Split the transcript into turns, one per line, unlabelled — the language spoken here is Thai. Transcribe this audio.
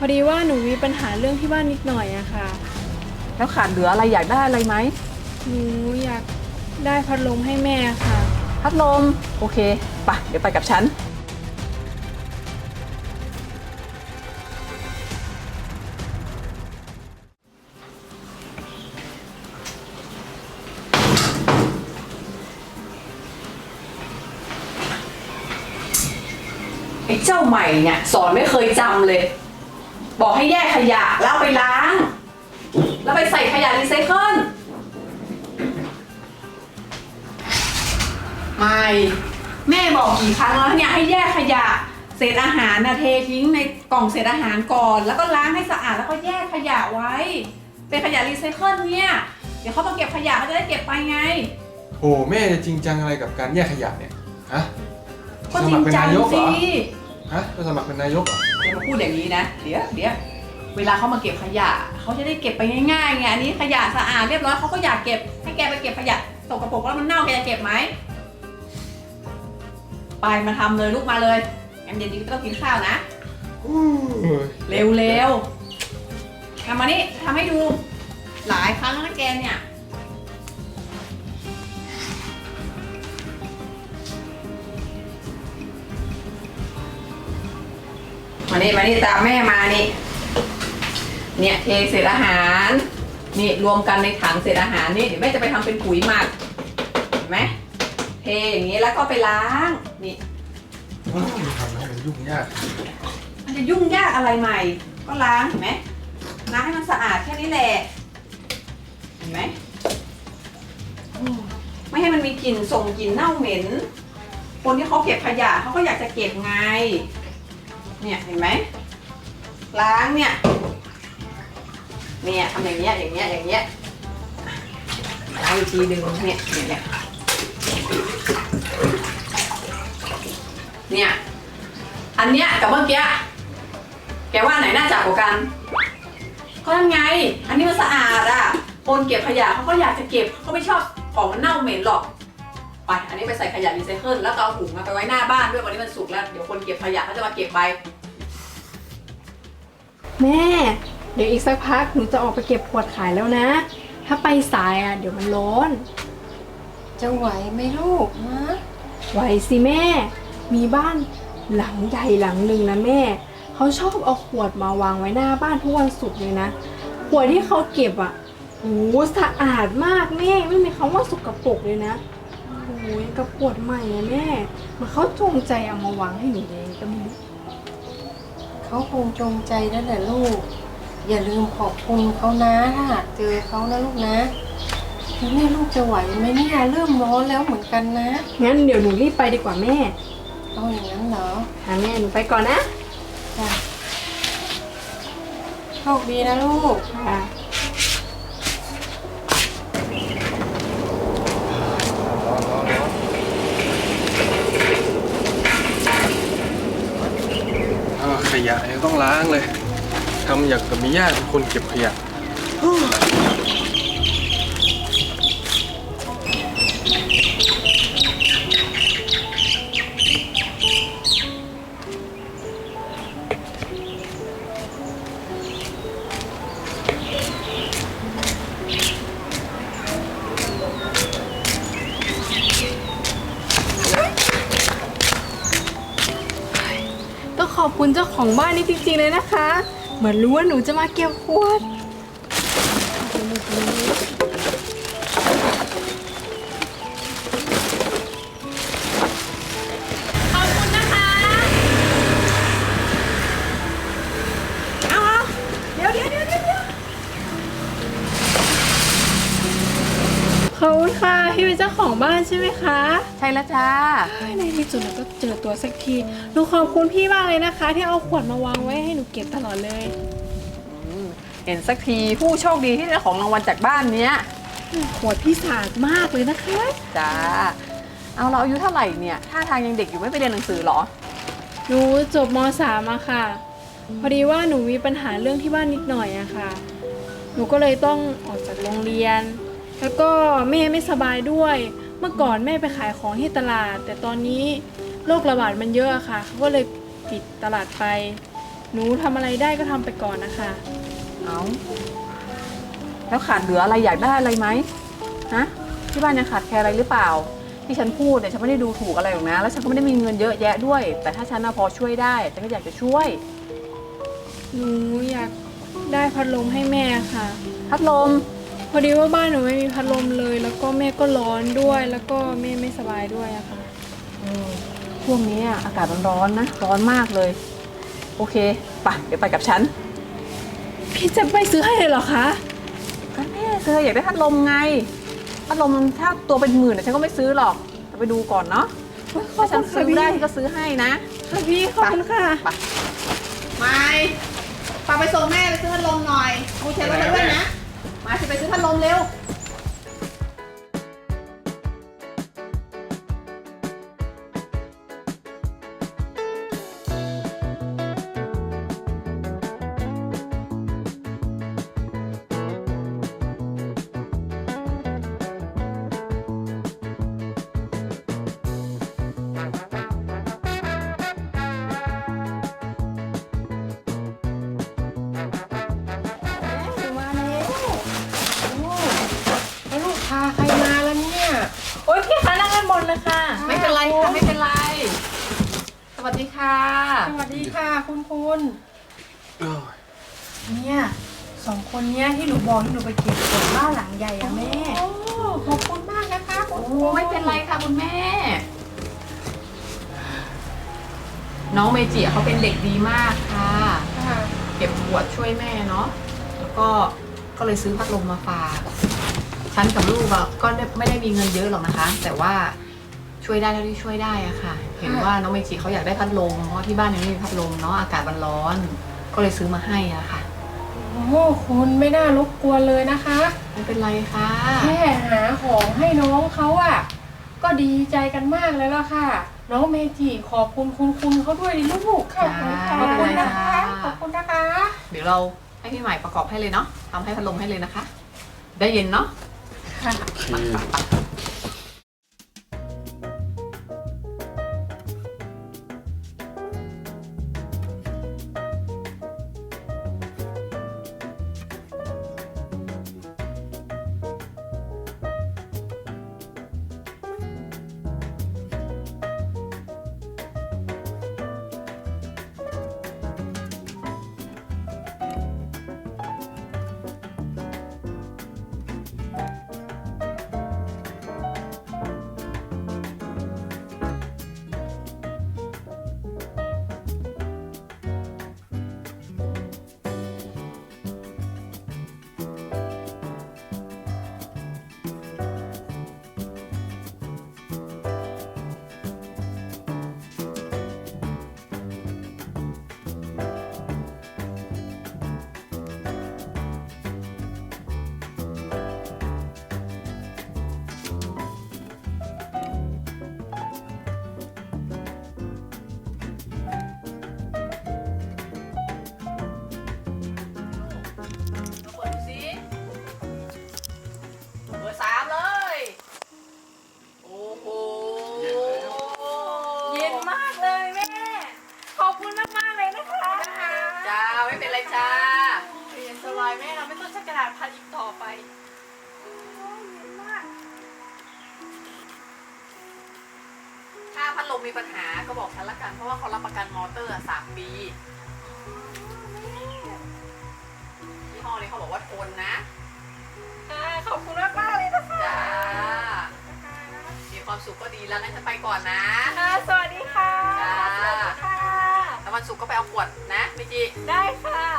อดีว่าหนูมีปัญหาเรื่องที่บ้านนิดหน่อยอะค่ะ
แล้วขาดเหลืออะไรอยากได้อะไรไหม
หนูอยากได้พัดลมให้แม่ค่ะ
พัดลมโอเคไปเดี๋ยวไปกับฉันไอ้เจ้าใหม่เนี่ยสอนไม่เคยจำเลยบอกให้แยกขยะแล้วเอาไปล้างแล้วไปใส่ขยะรีไซเคิลไม่แม่บอกกี่ครั้งแล้วเนี่ยให้แยกขยะเศษอาหารนะเททิ้งในกล่องเศษอาหารก่อนแล้วก็ล้างให้สะอาดแล้วก็แยกขยะไว้เป็นขยะรีไซเคิลเนี่ยเดี๋ยวเขามาเก็บขยะเขาจะได้เก็บไปไง
โอ้แม่จะจริงจังอะไรกับการแยกขยะเนี่ยฮะ
ก็จริงจังสิ
ฮะจะสมัครเป็นนายกเหรอ
อย่ามาพูดอย่างนี้นะเดี๋ยวเวลาเขามาเก็บขยะเขาจะได้เก็บไปง่ายๆไงอันนี้ขยะสะอาดเรียบร้อยเขาก็อยากเก็บให้แกไปเก็บขยะสกปรกแล้วมันเน่าแกจะเก็บไหมไปมาทำเลยลูกมาเลยงั้นเย็นนี้ก็ต้องกินข้าวนะเร็วทำมานี่ทำให้ดูหลายครั้งแล้วนะแกเนี่ยมานี่ตามแม่มานี่เนี่ยเทเศษอาหารนี่รวมกันในถังเศษอาหารนี่เดี๋ยวแม่จะไปทำเป็นปุ๋ยหมักเห็นไหมเทอย่างนี้แล้วก็ไปล้างนี่
ทำให้มันยุ่งยาก
มันจะยุ่งยากอะไรใหม่ก็ล้างเห็นไหมล้างให้มันสะอาดแค่นี้แหละเห็นไหมไม่ให้มันมีกลิ่นส่งกลิ่นเน่าเหม็นคนที่เขาเก็บขยะเขาก็อยากจะเก็บไงเนี่ยเห็นไหมล้างเนี่ยทำอย่างเงี้ยล้างอีกทีดึงเนี่ยอันเนี้ยกับเมื่อกี้แกว่าไหนน่าจับกว่ากันก็นั่นไงอันนี้มันสะอาดอ่ะคนเก็บขยะเขาก็อยากจะเก็บเขาไม่ชอบของมันเน่าเหม็นหรอกไปอันนี้ไปใส่ขยะรีไซเคิลแล้วก็เอาถุงมาไปไว้หน้าบ้านด้วยวันนี้มันสุกแล้วเดี๋ยวคนเก็บขยะเขาจะมาเก็บไป
แม่เดี๋ยวอีกสักพักหนูจะออกไปเก็บขวดขายแล้วนะถ้าไปสายเดี๋ยวมันร้อน
จะไหวไหมลูกนะ
ไหวสิแม่มีบ้านหลังใหญ่หลังหนึ่งนะแม่เขาชอบเอาขวดมาวางไว้หน้าบ้านทุกวันศุกร์เลยนะขวดที่เขาเก็บโอ้สะอาดมากแม่ไม่มีคำว่าสกปรกเลยนะโอ้ยกับขวดใหม่นะแม่มันเขาจงใจเอามาวางให้หนูเองก็ไม่รู้
เขาคงจงใจนั่นแหละลูกอย่าลืมขอบคุณเขานะถ้าหากเจอเขานะลูกนะทีนี้ลูกจะไหวไหมเนี่ยเริ่มร้อนแล้วเหมือนกันนะ
งั้นเดี๋ยวหนูรีบไปดีกว่าแม่
เอาอย่างนั้นเหรอ
แม่หนูไปก่อนนะ
จ้ะโชคดีนะลูก
ค่ะ
ขยะยังต้องล้างเลยทำอย่างกับมีญาติเป็นคนเก็บขยะ
ขอบคุณเจ้าของบ้านนี่จริงๆเลยนะคะเหมือนรู้ว่าหนูจะมาเก็บขวดขอบคุณนะคะเอาเดี๋ยวขอบคุณค่ะพี่เป็นเจ้าของบ้านใช่ไหมคะ
ใช่แล้วจ้า
ในที่สุดเราก็เจอตัวสักทีหนูขอบคุณพี่มากเลยนะคะที่เอาขวดมาวางไว้ให้หนูเก็บตลอดเลย
เห็นสักทีผู้โชคดีที่ได้ของรางวัลจากบ้านเนี้ย
ขวดพี่สะอาดมากเลยนะคะ
จ้าเอาเราอายุเท่าไหร่เนี่ยท่าทางยังเด็กอยู่ไม่ไปเรียนหนังสือหรอ
หนูจบม.3อะค่ะพอดีว่าหนูมีปัญหาเรื่องที่บ้านนิดหน่อยอะค่ะหนูก็เลยต้องออกจากโรงเรียนแล้วก็แม่ไม่สบายด้วยเมื่อก่อนแม่ไปขายของที่ตลาดแต่ตอนนี้โรคระบาดมันเยอะค่ะเขาก็เลยปิดตลาดไปหนูทำอะไรได้ก็ทำไปก่อนนะคะ
เอาแล้วขาดเหลืออะไรอยากได้อะไรไหมฮะที่บ้านยังขาดแคลนอะไรหรือเปล่า ที่ฉันพูดเนี่ยฉันไม่ได้ดูถูกอะไรหรอกนะแล้วฉันก็ไม่ได้มีเงินเยอะแยะด้วย แต่ถ้าฉันพอช่วยได้ฉันก็อยากจะช่วย
หนูอยากได้พัดลมให้แม่ค่ะ
พัดลม
พอดีว่าบ้านหนูไม่มีพัดลมเลย แล้วก็แม่ก็ร้อนด้วย แล้วก็แม่ไม่สบายด้วยอะค่ะ
ช่วงนี้อากาศมันร้อนนะร้อนมากเลย โอเคไปเดี๋ยวไปกับฉัน
พี่จะไปซื้อให้เลยเหรอคะ
ก็แม่เธออยากได้พัดลมไงพัดลมถ้าตัวเป็นหมื่นฉันก็ไม่ซื้อหรอกแต่ไปดูก่อนเนาะถ้าฉันซื้อได้ฉันก็ซื้อให้นะ
ค่ะพี่ขอบคุณค่ะ
ไม่ปาไปส่งแม่ไปซื้อพัดลมหน่อยมูเชลรถด้วยนะมาสิไปซื้อพัดลมเร็ว
มาแล้ว
แล้วลูกพาใครมาแล้วเนี่ย
โอ๊ยพี่คะนั่งกันบนเลยค่ะ
ไม่เป็นไรค่ะไม่เป็นไรสวัสดีค่ะ
สวัสดีค่ะคุณ
เอ้ย
เนี่ยสองคนเนี้ยที่หนูบอกที่หนูไปเก็บกดบ้านหลังใหญ่อะแม่
โอ้ขอบคุณมากนะคะคุณ
โอ้ไม่เป็นไรค่ะคุณแม่ น้องเมจิเขาเป็นเด็กดีมากค่ะ
ค่ะ
เก็บขวดช่วยแม่เนาะ แล้วก็เลยซื้อพัดลมมาฝาก ฉันกับลูกอะก็ไม่ได้มีเงินเยอะหรอกนะคะ แต่ว่าช่วยได้เท่าที่ช่วยได้อะค่ะ เห็นว่าน้องเมจิเขาอยากได้พัดลม เพราะที่บ้านยังไม่มีพัดลมเนาะ อากาศมันร้อน ก็เลยซื้อมาให้อะค่ะ
โอ้คุณไม่น่ารบกวนเลยนะคะ
ไม่เป็นไรค่ะ
แค่หาของให้น้องเขาอะก็ดีใจกันมากเลยล่ะค่ะ น้องเมจิขอบคุณคุณเขาด้วยดิลูกค่ะ
จ้า
ขอบคุณนะ
ไม่เป็นไร
คะ
ค่ะ
ขอบคุณนะคะ
เดี๋ยวเราให้พี่ใหม่ประกอบให้เลยเนาะทำให้พัดลมให้เลยนะคะ ได้เย็นเนาะ
ค่ะ
โอเค
เปิดดูสิเบอร์3เลย โอ้โห
เย็นมากเลยแม่ ขอบคุณมากๆเลยนะคะ
จ้า ไม่เป็นไรจ้า
เย็นสบายแม่เราไม่ต้องใช้กระดาษพัดอีกต่อไป
ถ้าพัดลมมีปัญหาก็บอกฉันละกัน เพราะว่าเขารับประกันมอเตอร์3 ปียี่ห้อนี้เขาบอกว่าทนนะ
ขอบคุณมากๆเลยนะคะ
จ้า มีความสุขก็ดีแล้วงั้นฉันไปก่อนนะ
สวัสดีค่ะ
จ้า
สวัสดีค่ะ
แล้ววันศุกร์ก็ไปเอาขวดนะเมจิ
ได้ค่ะ